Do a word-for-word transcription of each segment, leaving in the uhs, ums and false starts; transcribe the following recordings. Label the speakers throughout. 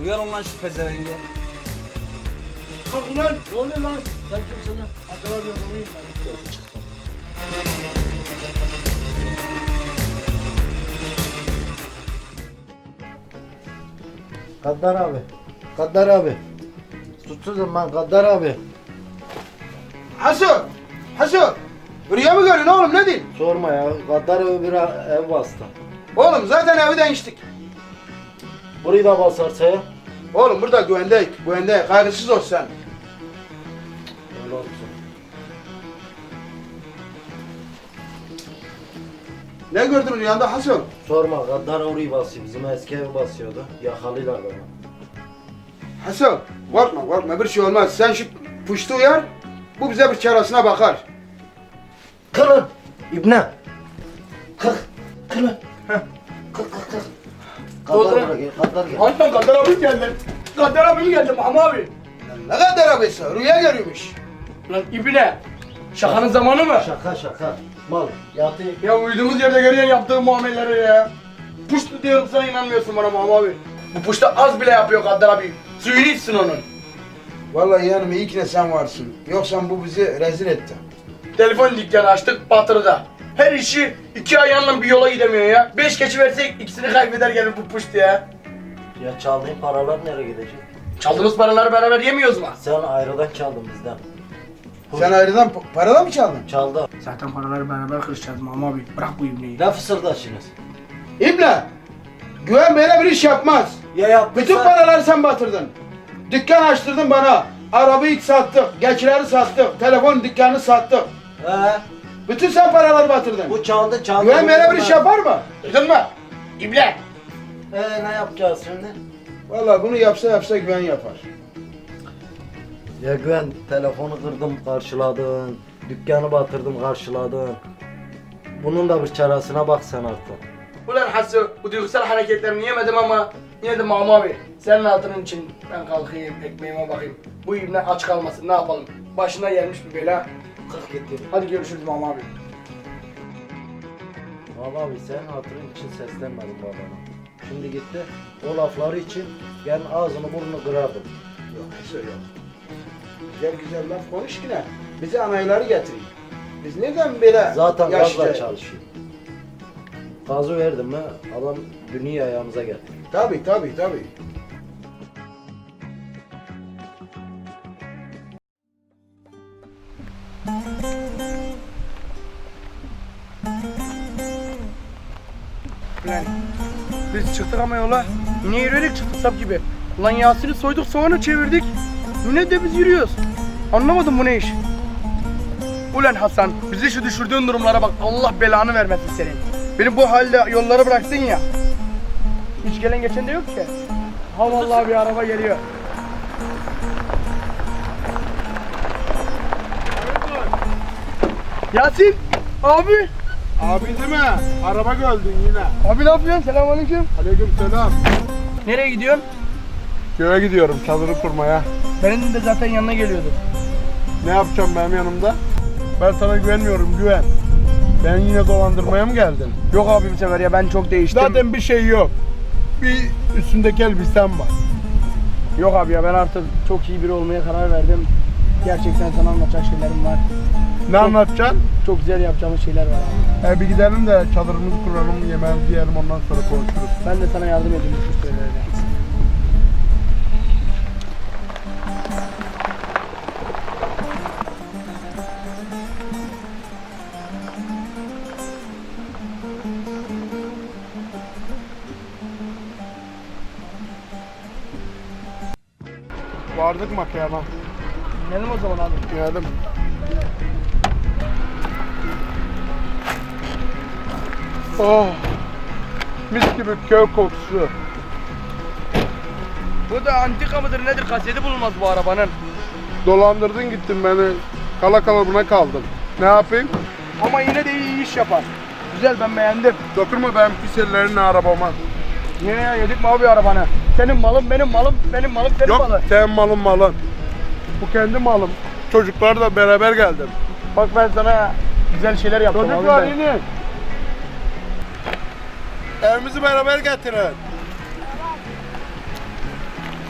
Speaker 1: Uyarın lan şu pezevenge.
Speaker 2: Kalk ulan. Ne oluyor lan? Sen kimsin lan? Acaba bir adamıyım ben.
Speaker 1: Çıktım.
Speaker 3: Gaddar abi. Gaddar abi. Suçsuzum ben Gaddar abi.
Speaker 4: Hasan! Hasan! Rüya mı görüyorsun oğlum ne diyeyim?
Speaker 3: Sorma ya. Gaddar abi bir ev bastı.
Speaker 4: Oğlum zaten evi değiştik.
Speaker 3: Burayı da basarsa ya.
Speaker 4: Oğlum burada güvendeyiz, güvendeyiz. Kaygısız ol sen.
Speaker 3: Öyle olsun.
Speaker 4: Ne gördün rüyanda Hasan?
Speaker 3: Sorma Gaddar orayı basıyor. Bizim eski evi basıyordu. Yakalıyorlar beni.
Speaker 4: Hasan korkma korkma bir şey olmaz. Sen şu puştu uyar. Bu bize bir çarasına bakar.
Speaker 3: Kırın! İbne! Kırk! Kırın! Kırk kırk kırk!
Speaker 2: Oldu.
Speaker 3: Gaddar buraya gel. Gaddar gel.
Speaker 2: Hatta Kadir abim geldi. Kadir abim geldi Mahmut abi.
Speaker 4: Ne kadar abisi rüya görüyormuş.
Speaker 2: Lan ibine. Şakanın zamanı mı?
Speaker 3: Şaka şaka. Mal. Yatı.
Speaker 2: Ya uyuduğumuz yerde görüyorsun yaptığın muameleleri ya. Puştu diyorum sana inanmıyorsun bana Mahmut abi. Bu puşta az bile yapıyor Kadir abi. Suyunu içsin onun.
Speaker 4: Vallahi yanım iyi ki ne sen varsın. Yoksa bu bizi rezil etti.
Speaker 2: Telefon dükkanı açtık batırıda. Her işi iki ayağınla bir yola gidemiyor ya. Beş keçi versek ikisini kaybeder gelir bu puştu ya.
Speaker 3: Ya çaldığın paralar nereye gidecek?
Speaker 2: Çaldığımız paraları beraber yemiyoruz mu?
Speaker 3: Sen ayrıdan çaldın bizden.
Speaker 4: Sen ayrıdan pa- paradan mı çaldın?
Speaker 3: Çaldı.
Speaker 2: Zaten paraları beraber kırışacağız Mahmut abi. Bırak bu ibneyi.
Speaker 3: Ne fısıldaşınız?
Speaker 4: İbne! Güven böyle bir iş yapmaz.
Speaker 3: Ya yaptıysa...
Speaker 4: Bütün paraları sen batırdın. Dükkan açtırdın bana. Arabayı sattık, geçileri sattık, telefon dükkanını sattık.
Speaker 3: He.
Speaker 4: Bütün sen paraları batırdın.
Speaker 3: Bu çaldı çaldı.
Speaker 4: Güven böyle bir iş yapar mı?
Speaker 2: Duydun mu? İbne.
Speaker 3: Ee ne yapacağız şimdi?
Speaker 4: Vallahi bunu yapsa yapsa güven yapar.
Speaker 3: Ya Güven telefonu kırdım karşıladın. Dükkanı batırdım karşıladın. Bunun da bir çaresine bak sen artık.
Speaker 2: Ulan Hasu, bu duygusal hareketlerini yemedim ama yine de Mahmut abi. Senin hatırın için ben kalkayım, ekmeğime bakayım. Bu ibne aç kalmasın, ne yapalım? Başına gelmiş bir bela.
Speaker 3: Kalk git.
Speaker 2: Hadi görüşürüz Mahmut abi.
Speaker 3: Baba abi senin hatırın için seslenmedim babana. Şimdi gitti. O lafları için ben ağzını burnunu kırardım.
Speaker 4: Yok Hasan yok. Güzel güzel laf konuş yine. Bize anayları getirin. Biz neden böyle
Speaker 3: Zaten
Speaker 4: yaşlı-
Speaker 3: gazla çalışıyor. Gazı verdim mi adam dünya ayağımıza geldi.
Speaker 4: Tabii tabii tabii.
Speaker 2: Ulan biz çıktık ama yola. Yine yürüyerek çıktık sap gibi. Ulan Yasin'i soyduk soğanı çevirdik. Yine de biz yürüyoruz. Anlamadım bu ne iş. Ulan Hasan bizi şu düşürdüğün durumlara bak Allah belanı vermesin senin. Beni bu halde yollara bıraktın ya. Hiç gelen geçen de yok ki. Ha vallahi bir araba geliyor. Yasin abi.
Speaker 5: Abi değil mi? Araba gördün yine.
Speaker 2: Abi ne yapıyorsun? Selamünaleyküm.
Speaker 5: Aleyküm selam.
Speaker 2: Nereye gidiyorsun?
Speaker 5: Köye gidiyorum çadırı kurmaya.
Speaker 2: Benim de zaten yanına geliyordum.
Speaker 5: Ne yapacağım benim yanımda? Ben sana güvenmiyorum, güven. Ben yine dolandırmaya mı geldin?
Speaker 2: Yok abi bu sefer ya ben çok değiştim.
Speaker 5: Zaten bir şey yok. Bir üstündeki elbisen var.
Speaker 2: Yok abi ya ben artık çok iyi biri olmaya karar verdim. Gerçekten sana anlatacak şeylerim var.
Speaker 5: Ne anlatacaksın?
Speaker 2: Çok güzel yapacağımız şeyler var abi.
Speaker 5: E bir gidelim de çadırımızı kuralım, yemeğimizi yiyelim, ondan sonra konuşuruz.
Speaker 2: Ben de sana yardım edeyim şu şeylerle.
Speaker 5: Vardık makayana.
Speaker 2: Gidelim o zaman abi.
Speaker 5: Geldim. Oh! Mis gibi köy kokusu.
Speaker 2: Bu da antika mıdır nedir? Kaseti bulunmaz bu arabanın.
Speaker 5: Dolandırdın gittin beni. Kala kala buna kaldım. Ne yapayım?
Speaker 2: Ama yine de iyi iş yapar. Güzel ben beğendim.
Speaker 5: Dokunma benim pis ellerini arabama.
Speaker 2: Niye ya yedik mi abi arabanı? Senin malın benim malım, benim malım senin
Speaker 5: Yok
Speaker 2: malın.
Speaker 5: senin malın malın. Bu kendi malım. Çocuklarla beraber geldim.
Speaker 2: Bak ben sana güzel şeyler yaptım
Speaker 5: Çocuklar
Speaker 2: abi ben.
Speaker 5: inin. Evimizi beraber getirin.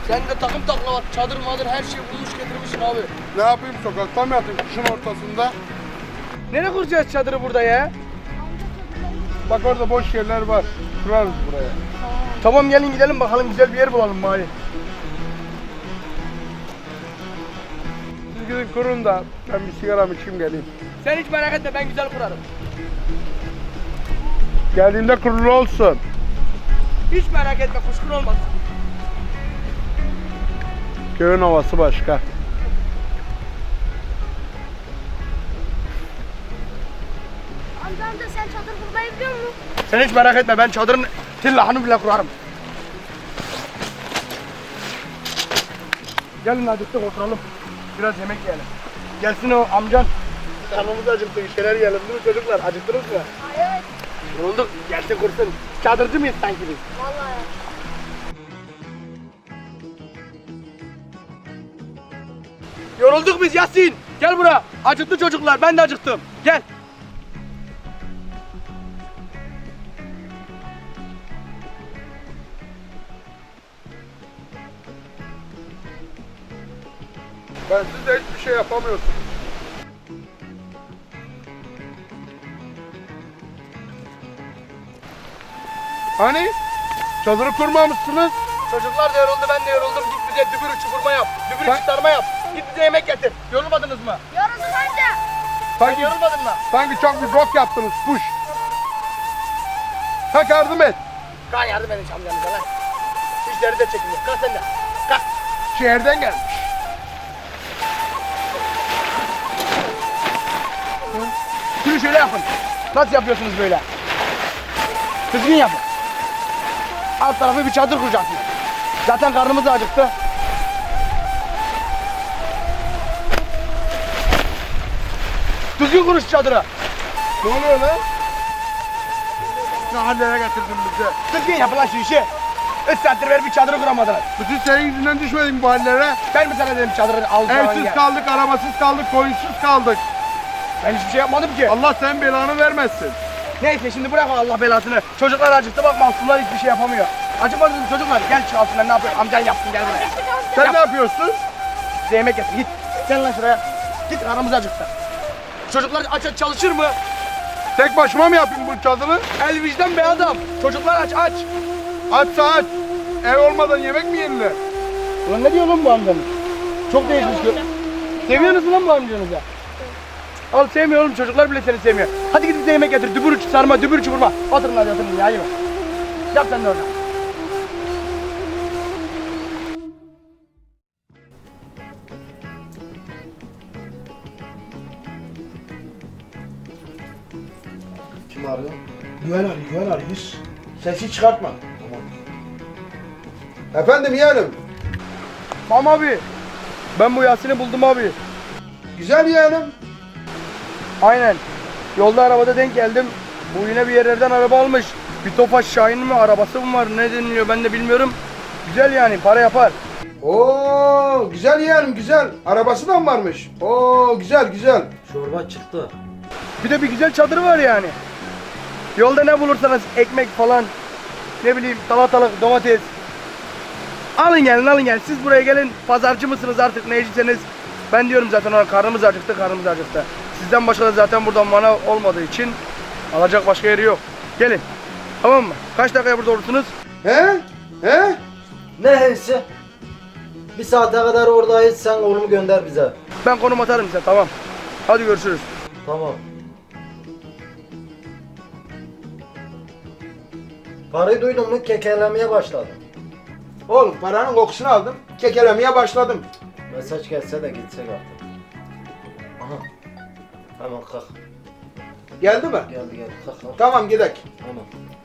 Speaker 2: Sen de takım takla var. Çadır madır her şeyi bulmuş getirmişsin abi.
Speaker 5: Ne yapayım, sokakta mı yatayım kışın ortasında?
Speaker 2: Nereye kuracağız çadırı burada ya?
Speaker 5: Bak orada boş yerler var. Kurarız buraya.
Speaker 2: Tamam gelin gidelim bakalım güzel bir yer bulalım bari.
Speaker 5: Siz gidin kurun da ben bir sigaramı içeyim geleyim.
Speaker 2: Sen hiç merak etme ben güzel kurarım.
Speaker 5: Geldiğinde kurulu olsun.
Speaker 2: Hiç merak etme kuşkun olmaz.
Speaker 5: Köyün havası başka.
Speaker 1: Amca amca sen çadır kurmayı biliyor musun?
Speaker 2: Sen hiç merak etme ben çadırın tillahını bile kurarım. Gelin acıktık oturalım. Biraz yemek yiyelim. Gelsin o amcan. Karnımız acıktı bir şeyler yiyelim değil mi çocuklar? Acıktınız mı?
Speaker 1: Ay evet.
Speaker 2: Yorulduk. Gelsin kursun. Çadırcı mıyız sanki biz?
Speaker 1: Vallahi.
Speaker 2: Yorulduk biz Yasin. Gel buraya. Acıktı çocuklar. Ben de acıktım. Gel.
Speaker 5: Ben siz de hiçbir şey yapamıyorsunuz. Hani? Çadırı kurmamışsınız.
Speaker 2: Çocuklar da yoruldu ben de yoruldum. Git bize dübürü çukurma yap. Dübürü
Speaker 5: Ben-
Speaker 2: çıkarma yap. Git bize yemek getir. Yorulmadınız mı?
Speaker 1: Yorulduk amca.
Speaker 2: Sen
Speaker 5: Sanki,
Speaker 2: yorulmadın mı?
Speaker 5: sanki çok bir bok yaptınız. Puş. Kalk yardım et.
Speaker 2: Kan yardım edin amcanıza lan. Şişleri de çekiliyor. Kalk sen de. Kalk.
Speaker 5: Şehirden gelmiş.
Speaker 2: Şunu şöyle yapın. Nasıl yapıyorsunuz böyle? Düzgün yapın. Alt tarafı bir çadır kuracaksınız. Zaten karnımız da acıktı. Düzgün kuruş çadırı.
Speaker 5: Ne oluyor lan? Ne hallere getirdin bizi?
Speaker 2: Düzgün yapın lan şu işi. Üç saattir beri bir çadırı kuramadınız.
Speaker 5: Bütün senin yüzünden düşmedik bu hallere.
Speaker 2: Ben mi sana dedim çadırı al falan
Speaker 5: Evsiz
Speaker 2: gel.
Speaker 5: kaldık, arabasız kaldık, koyunsuz kaldık.
Speaker 2: Ben hiçbir şey yapmadım ki.
Speaker 5: Allah senin belanı vermesin.
Speaker 2: Neyse şimdi bırak Allah belasını. Çocuklar acıktı bak mahkumlar hiçbir şey yapamıyor. Acımadınız mı çocuklar? Gel çık altından ne yapıyor? Amcan yapsın gel buraya.
Speaker 5: Sen
Speaker 2: Yap.
Speaker 5: ne yapıyorsun?
Speaker 2: Size yemek getir git. Gel lan şuraya. Git karnımız acıktı. Çocuklar aç aç çalışır mı?
Speaker 5: Tek başıma mı yapayım bu çadırı?
Speaker 2: El vicdan be adam. Çocuklar aç aç.
Speaker 5: Açsa aç. Ev olmadan yemek mi yenilir?
Speaker 2: Ulan ne diyor lan bu amcanız? Çok değişmiş. Seviyorsunuz lan bu amcanızı? Al sevmiyorum çocuklar bile seni sevmiyor. Hadi gidip bize yemek getir. Dübür sarma, dübür çukurma. Oturun hadi oturun ya yeme. Yap sen de orada.
Speaker 3: Kim arıyor?
Speaker 2: Güven arıyor, güven arıyor. Sesi çıkartma.
Speaker 4: Efendim yeğenim.
Speaker 2: Tamam abi. Ben bu Yasin'i buldum abi.
Speaker 4: Güzel yeğenim.
Speaker 2: Aynen. Yolda arabada denk geldim. Bu yine bir yerlerden araba almış. Bir Tofaş Şahin mi arabası mı var ne deniliyor ben de bilmiyorum. Güzel yani para yapar.
Speaker 4: Oo güzel yeğenim güzel. Arabası da mı varmış? Oo güzel güzel.
Speaker 3: Çorba çıktı.
Speaker 2: Bir de bir güzel çadırı var yani. Yolda ne bulursanız ekmek falan ne bileyim salatalık domates. Alın gelin alın gelin. Siz buraya gelin. Pazarcı mısınız artık neycisiniz. Ben diyorum zaten ona karnımız acıktı karnımız acıktı. Sizden başka da zaten buradan manav olmadığı için alacak başka yeri yok. Gelin. Tamam mı? Kaç dakikaya burada olursunuz?
Speaker 4: He? He?
Speaker 3: Neyse. Bir saate kadar oradayız. Sen oğlumu gönder bize.
Speaker 2: Ben konum atarım size tamam. Hadi görüşürüz.
Speaker 3: Tamam. Parayı duydun mu? Kekelemeye başladım.
Speaker 4: Oğlum paranın kokusunu aldım. Kekelemeye başladım.
Speaker 3: Mesaj gelse de gitsek artık. Aha. Hemen kalk.
Speaker 4: Geldi mi?
Speaker 3: Geldi geldi. Kalk kalk.
Speaker 4: Tamam gidelim.
Speaker 3: Hemen.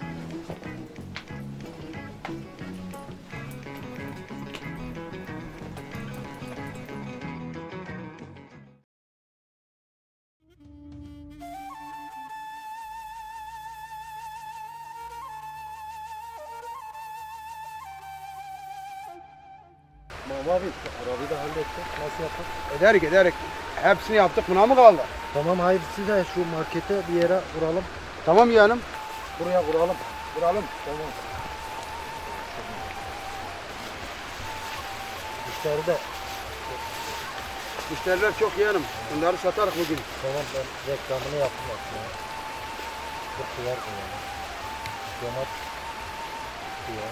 Speaker 3: Baba abi arabayı da hallettik. Nasıl yapalım?
Speaker 4: Ederik ederik. Hepsini yaptık buna mı kaldı?
Speaker 3: Tamam hayır siz de şu markete bir yere vuralım.
Speaker 4: Tamam yeğenim.
Speaker 3: Buraya vuralım.
Speaker 4: Vuralım.
Speaker 3: Tamam. müşteri de.
Speaker 2: Müşteriler çok yeğenim. Bunları satarız bugün.
Speaker 3: Tamam ben reklamını yaptım aslında. Bu kıyar koyalım. Domat kıyar.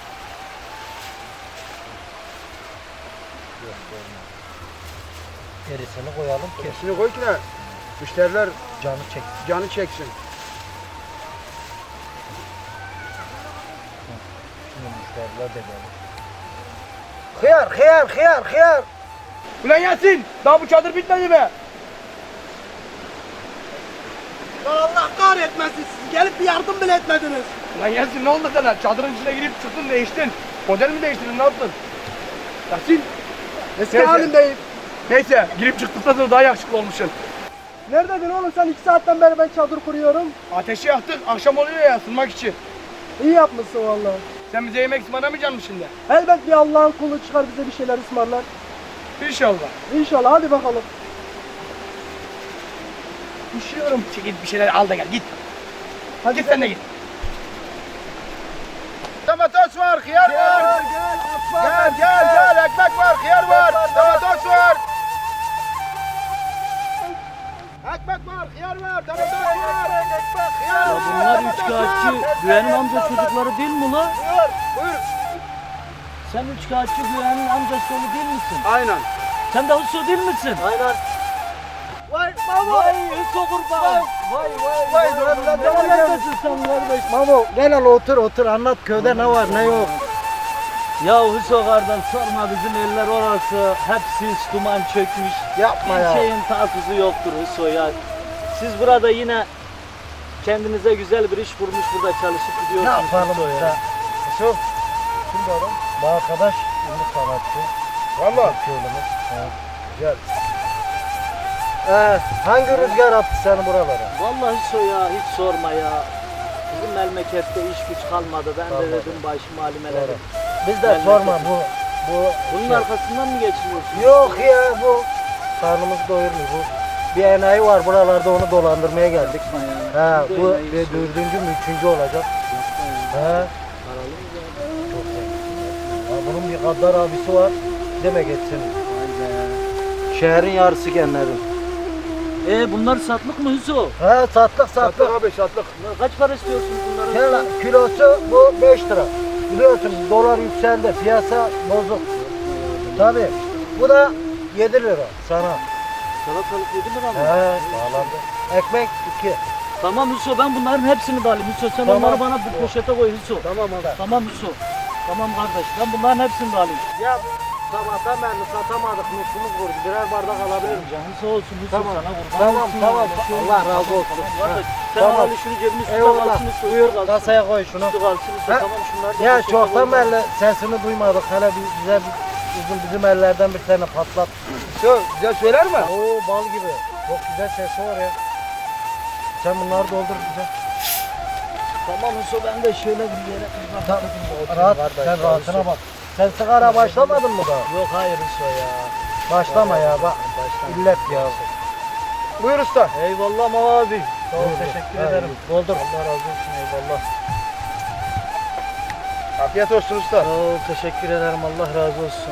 Speaker 3: Yok olmaz. Gerisini koyalım ki
Speaker 2: Kerisini koy ki ne? Müşteriler
Speaker 3: canı çek.
Speaker 2: canı çeksin.
Speaker 3: Şimdi müşteriler de gelir. Hıyar, hıyar, hıyar, hıyar.
Speaker 2: Ulan Yasin! Daha bu çadır bitmedi mi?
Speaker 5: Allah kahretmesin siz gelip bir yardım bile etmediniz.
Speaker 2: Ulan Yasin ne oldu sana? Çadırın içine girip çıktın değiştin. Model mi değiştirdin ne yaptın? Yasin!
Speaker 5: Eski
Speaker 2: Neyse.
Speaker 5: halimdeyim.
Speaker 2: Neyse girip çıktıktan sonra daha yakışıklı olmuşsun.
Speaker 5: Neredeydin oğlum sen iki saatten beri ben çadır kuruyorum.
Speaker 2: Ateşi yaktık akşam oluyor ya ısınmak için.
Speaker 5: İyi yapmışsın vallahi.
Speaker 2: Sen bize yemek ısmarlamayacaksın mı şimdi?
Speaker 5: Elbet bir Allah'ın kulu çıkar bize bir şeyler ısmarlar.
Speaker 2: İnşallah.
Speaker 5: İnşallah hadi bakalım. Üşüyorum.
Speaker 2: Git bir şeyler al da gel git.
Speaker 5: Hadi
Speaker 2: Git sen de git.
Speaker 4: Domates var, hıyar var.
Speaker 5: Gel
Speaker 4: Gel gel gel ekmek var, hıyar var. Domates var. Ekmek var, hıyar var, domates var. Ekmek, hıyar
Speaker 6: Ya
Speaker 4: var.
Speaker 6: bunlar
Speaker 4: domates
Speaker 6: üçkağıtçı
Speaker 4: var.
Speaker 6: Güven'in amca çocukları değil mi la?
Speaker 4: Buyur, buyur.
Speaker 6: Sen üçkağıtçı Güven'in amcası oğlu değil misin?
Speaker 2: Aynen.
Speaker 6: Sen de Hüso değil misin?
Speaker 3: Aynen.
Speaker 5: Vay baba.
Speaker 6: Vay Hüso kurban.
Speaker 3: Vay vay
Speaker 5: Vay lan lan
Speaker 6: Ne
Speaker 5: lan.
Speaker 6: neredesin sen kardeş?
Speaker 3: Mamo gel al otur otur anlat köyde ne var ne yok.
Speaker 6: Ya Hüso kardeş sorma bizim eller orası. Hep sis duman çökmüş.
Speaker 3: Yapma
Speaker 6: Bir
Speaker 3: ya.
Speaker 6: şeyin tatsızı yoktur Hüso ya. Siz burada yine kendinize güzel bir iş kurmuş burada çalışıp
Speaker 3: Ne
Speaker 6: gidiyorsunuz
Speaker 3: yapalım
Speaker 6: Hüso
Speaker 3: işte.
Speaker 6: ya.
Speaker 3: Şu kimdi adam? Bu arkadaş ünlü sanatçı.
Speaker 2: Valla.
Speaker 3: Köylümüz. Ha, güzel. Ee, hangi rüzgar attı seni buralara?
Speaker 6: Vallahi Hüso ya hiç sorma ya. Bizim memlekette iş güç kalmadı. Ben
Speaker 3: Kalmadı.
Speaker 6: de dedim başım halime
Speaker 3: Doğru.
Speaker 6: dedim.
Speaker 3: Biz de
Speaker 6: Memleket.
Speaker 3: sorma bu. Bu
Speaker 6: Bunun
Speaker 3: şey.
Speaker 6: arkasından mı geçiniyorsun?
Speaker 3: Yok ya bu. Karnımız doyurmuyor bu. Bir enayi var buralarda onu dolandırmaya geldik.
Speaker 6: Yapma ya.
Speaker 3: Ha
Speaker 6: Biz de
Speaker 3: bu
Speaker 6: enayiyiz
Speaker 3: bir
Speaker 6: sonra.
Speaker 3: dördüncü mü üçüncü olacak.
Speaker 6: Yapma ya.
Speaker 3: He.
Speaker 6: Paralı mı ya?
Speaker 3: Çok iyi. Ya bunun bir Gaddar abisi var. Deme geçsin.
Speaker 6: Vay be.
Speaker 3: Şehrin yarısı genlerin.
Speaker 6: E bunlar satlık mı Hüso?
Speaker 3: He sattık sattık.
Speaker 2: Sattık abi sattık.
Speaker 6: Bunlar kaç para istiyorsun bunların?
Speaker 3: Kilo- Kilosu bu beş lira. Biliyorsun dolar yükseldi. Piyasa bozuk. Tabii. Bu da yedi lira sana.
Speaker 6: Salatalık yedi lira mı?
Speaker 3: He bağlandı. Ekmek iki.
Speaker 6: Tamam Hüso ben bunların hepsini de alayım Hüso. Sen
Speaker 3: Tamam.
Speaker 6: onları bana bir poşete koy Hüso.
Speaker 3: Tamam abi.
Speaker 6: Tamam Hüso. Tamam kardeş ben bunların hepsini de alayım.
Speaker 3: Ya sabahtan beri satamadık. Nüfumuz vurdu. Birer bardak alabilir miyim?
Speaker 6: Hüso olsun Hüso
Speaker 3: Tamam.
Speaker 6: sana kurban
Speaker 3: Tamam,
Speaker 6: olsun
Speaker 3: tamam.
Speaker 6: ya. Şey
Speaker 3: Allah
Speaker 6: olsun.
Speaker 3: razı
Speaker 6: Tamam,
Speaker 3: olsun.
Speaker 6: tamam, kardeş.
Speaker 3: Ha,
Speaker 6: Sen
Speaker 3: tamam.
Speaker 6: al şunu cebine üstüne
Speaker 3: Eyvallah.
Speaker 6: kalsın Hüso.
Speaker 3: Buyur
Speaker 6: üstü kalsın.
Speaker 3: kasaya koy şunu.
Speaker 6: Üstü kalsın Hüso.
Speaker 3: Ha?
Speaker 6: Tamam şunları da
Speaker 3: Ya
Speaker 6: poşete
Speaker 3: çoktan
Speaker 6: koy.
Speaker 3: beri sesini duymadık. Hele bir, bize bir, uzun bizim ellerden bir tane patlat.
Speaker 2: Şu güzel söyler mi?
Speaker 3: Oo bal gibi. Çok güzel sesi var ya. Sen bunları doldur bize.
Speaker 6: Tamam Hüso ben de şöyle bir yere
Speaker 3: Tamam. Rahat, sen rahatına bak. Sen sigara başlamadın mı daha?
Speaker 6: Yok hayır Hüso ya.
Speaker 3: Başlama ya bak. İllet ya.
Speaker 2: Buyur usta.
Speaker 6: Eyvallah Mama abi. Sağ ol
Speaker 3: Buyur,
Speaker 6: teşekkür
Speaker 3: buyur.
Speaker 6: ederim.
Speaker 3: Ha, Doldur.
Speaker 6: Allah razı olsun eyvallah.
Speaker 2: Afiyet olsun usta.
Speaker 6: Sağ ol teşekkür ederim Allah razı olsun.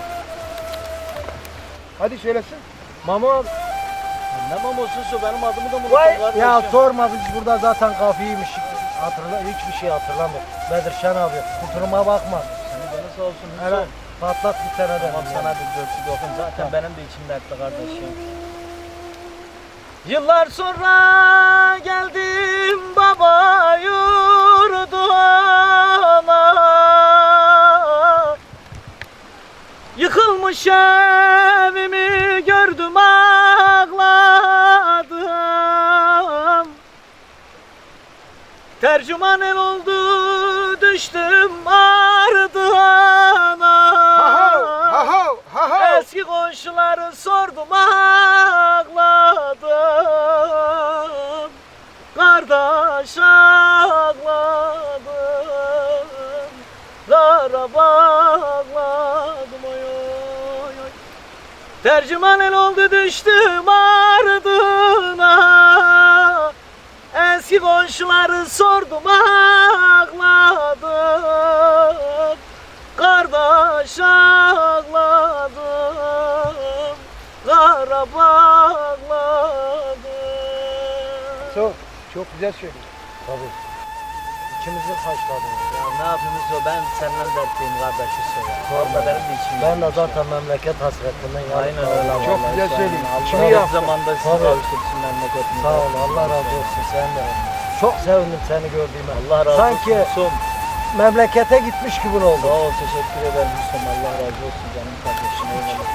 Speaker 2: Hadi söylesin.
Speaker 3: Mamo.
Speaker 6: Ne mamosu benim adımı da mı
Speaker 3: Vay
Speaker 6: unuttun kardeşim?
Speaker 3: ya sorma biz burada zaten kafiymiş. Hatırla hiçbir şey hatırlamıyorum. Bedirşen abi kusuruma bakma.
Speaker 6: Seni canı sağ olsun Hüso.
Speaker 3: Hele patlat bir tane de.
Speaker 6: Tamam sana bir dörtlü dokun. Zaten benim de içim dertli kardeşim. Yıllar sonra geldim baba yurduna. Yıkılmış evimi gördüm ağladım. Tercüman el oldu düştüm ardına.
Speaker 2: Ha ha ha ha.
Speaker 6: Eski komşuları sordum ağladım. Kardeş ağladım. Zara bağladım oy oy oy. Tercüman el oldu düştüm ardına. Eski komşuları sordum ağladım. Kardeş aşağıladım, kara bağladım.
Speaker 3: Çok, çok güzel söylüyor. Tabii. İçimizi haşladın.
Speaker 6: Ya ne yapayım o, ben senden dertliyim kardeş Hüso ya. Orada benim de içim
Speaker 3: Ben de
Speaker 6: yanmış
Speaker 3: zaten memleket hasretinden yandım.
Speaker 6: Aynen öyle.
Speaker 3: Çok
Speaker 6: vallahi
Speaker 3: güzel
Speaker 6: sen-
Speaker 3: söylüyorsun.
Speaker 6: Allah
Speaker 3: İçimi
Speaker 6: her
Speaker 3: yaktın.
Speaker 6: zamanda sizi
Speaker 3: Tabii.
Speaker 6: kavuştursun memleketimize.
Speaker 3: Sağ ol, Allah razı olsun sen de. Çok sevindim seni gördüğüme.
Speaker 6: Allah razı
Speaker 3: Sanki
Speaker 6: olsun Hüsom.
Speaker 3: memlekete gitmiş gibi
Speaker 6: Sağ
Speaker 3: oldu.
Speaker 6: ol, teşekkür ederim Hüsom. Allah razı olsun canım kardeşim. Eyvallah.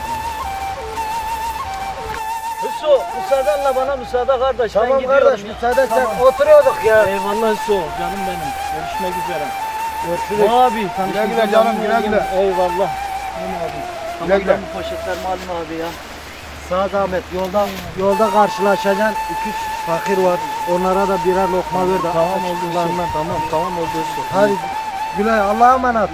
Speaker 6: Hüso, müsaadenle bana müsaade kardeş. ben
Speaker 3: Tamam
Speaker 6: gidiyorum
Speaker 3: kardeş,
Speaker 6: ya.
Speaker 3: müsaade sen.
Speaker 6: Tamam.
Speaker 3: Oturuyorduk ya.
Speaker 6: Eyvallah Hüso, canım benim. Görüşmek üzere.
Speaker 3: Görüşürüz.
Speaker 6: Abi,
Speaker 2: Güle güle canım, güle güle.
Speaker 6: Eyvallah. Tamam abi. Tamam,
Speaker 2: Güle güle.
Speaker 6: ben bu poşetlerimi alayım abi ya.
Speaker 3: Sağ zahmet yolda yolda karşılaşacaksın. İki üç fakir var. Onlara da birer lokma ver de.
Speaker 6: Tamam oldu Hüso.
Speaker 3: Açlıklarından.
Speaker 6: Tamam, tamam oldu Hüso.
Speaker 3: Hadi Gülay Allah'a emanet.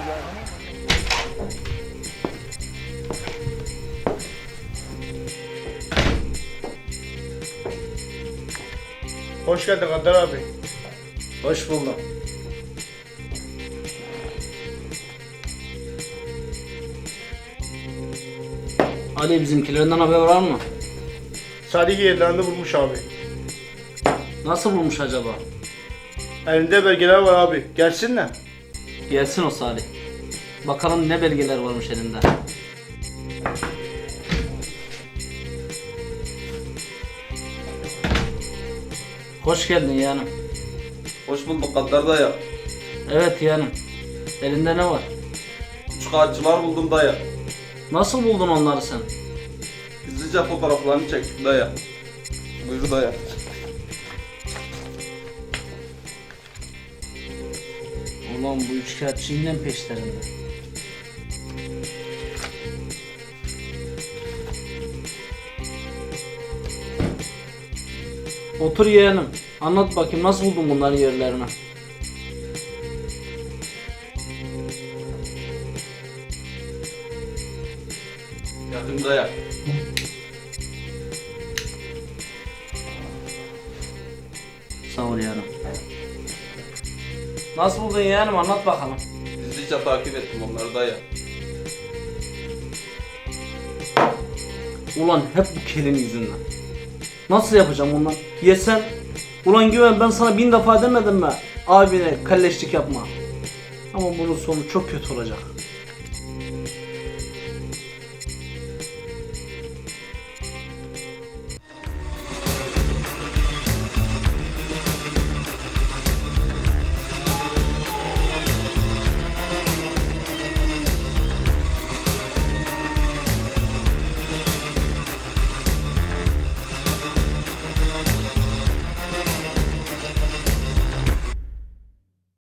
Speaker 5: Hoş geldin Kadir abi.
Speaker 6: Hoş buldum.
Speaker 7: Ali bizimkilerinden haber var mı?
Speaker 5: Salih yerlerinde bulmuş abi.
Speaker 7: Nasıl bulmuş acaba?
Speaker 5: Elinde belgeler var abi. Gelsinler.
Speaker 7: Gelsin o Salih. Bakalım ne belgeler varmış elinde. Hoş geldin yeğenim.
Speaker 8: Hoş bulduk Kaddar dayı.
Speaker 7: Evet yeğenim. Elinde ne var?
Speaker 8: Üçkağıtçılar buldum dayı.
Speaker 7: Nasıl buldun onları sen?
Speaker 8: Gizlice fotoğraflarını çektim dayı. Buyur dayı.
Speaker 7: Ulan bu üçkağıtçı yine mi peşlerinde? Otur yeğenim. Anlat bakayım nasıl buldun bunların yerlerini?
Speaker 8: Yakın dayı.
Speaker 7: Sağ ol yeğenim. Nasıl buldun yeğenim anlat bakalım.
Speaker 8: Gizlice takip ettim onları dayı.
Speaker 7: Ulan hep bu kelin yüzünden. Nasıl yapacağım ondan? Yesen. Ulan güven ben sana bin defa demedim mi? Abine kalleşlik yapma. Ama bunun sonu çok kötü olacak.